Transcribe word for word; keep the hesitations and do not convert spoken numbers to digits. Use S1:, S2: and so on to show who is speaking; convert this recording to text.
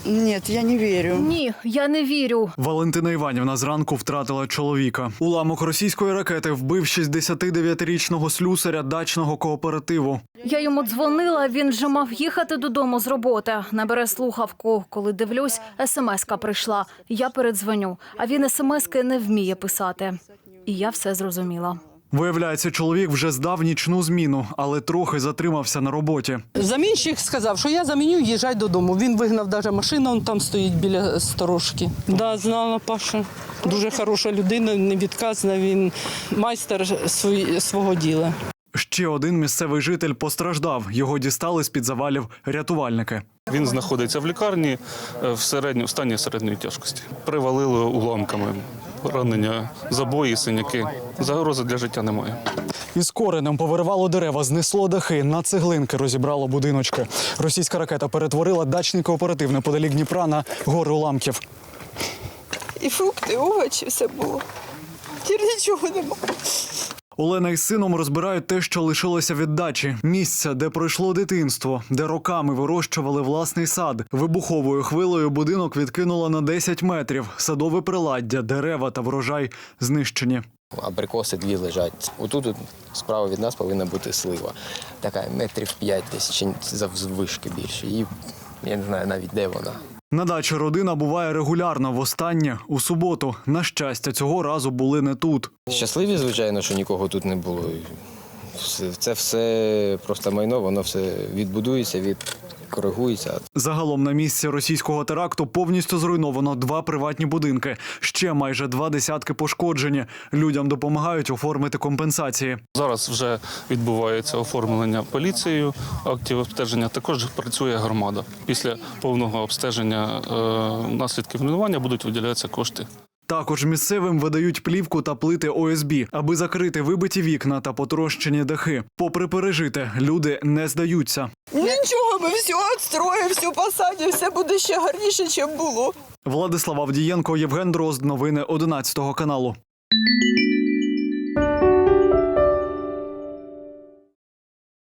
S1: Нет, я не верю.
S2: Ні, я не вірю.
S3: Валентина Іванівна зранку втратила чоловіка. Уламок російської ракети вбив шістдесятидев'ятирічного слюсаря дачного кооперативу.
S2: Я йому дзвонила, він вже мав їхати додому з роботи. Не бере слухавку. Коли дивлюсь, смс-ка прийшла. Я передзвоню, а він смс-ки не вміє писати. І я все зрозуміла.
S3: Виявляється, чоловік вже здав нічну зміну, але трохи затримався на роботі.
S4: Замінщик сказав, що я заміню, їжджай додому. Він вигнав навіть машину, он там стоїть біля сторожки. Да, знала Паша. Дуже хороша людина, невідказна, він майстер свої- свого діла.
S3: Ще один місцевий житель постраждав. Його дістали з-під завалів рятувальники.
S5: Він знаходиться в лікарні в середньо, в стані середньої тяжкості. Привалили уламками, поранення, забої, синяки. Загрози для життя немає.
S3: Із коренем повиривало дерева, знесло дахи, на цеглинки розібрало будиночки. Російська ракета перетворила дачний кооператив неподалік Дніпра на гори уламків.
S1: І фрукти, і овочі, все було. Тільки нічого нема.
S3: Олена із сином розбирають те, що лишилося від дачі. Місце, де пройшло дитинство, де роками вирощували власний сад. Вибуховою хвилею будинок відкинуло на десять метрів. Садове приладдя, дерева та врожай знищені.
S6: Абрикоси дві лежать. Отут от справа від нас повинна бути слива. Така метрів п'ять десь, чи заввишки більше. І я не знаю навіть, де вона.
S3: На дачі родина буває регулярно, востаннє у суботу. На щастя, цього разу були не тут.
S6: Щасливі, звичайно, що нікого тут не було. Це все просто майно, воно все відбудується, відкоригується.
S3: Загалом на місці російського теракту повністю зруйновано два приватні будинки. Ще майже два десятки пошкоджені. Людям допомагають оформити компенсації.
S5: Зараз вже відбувається оформлення поліцією актів обстеження. Також працює громада. Після повного обстеження е, наслідків руйнування будуть виділятися кошти.
S3: Також місцевим видають плівку та плити О С Б, аби закрити вибиті вікна та потрощені дахи. Попри пережите, люди не здаються.
S1: Нічого, ми все відстроїмо, все посадимо, все буде ще гарніше, ніж було.
S3: Владислав Авдієнко, Євген Дрозд. Новини одинадцятого каналу.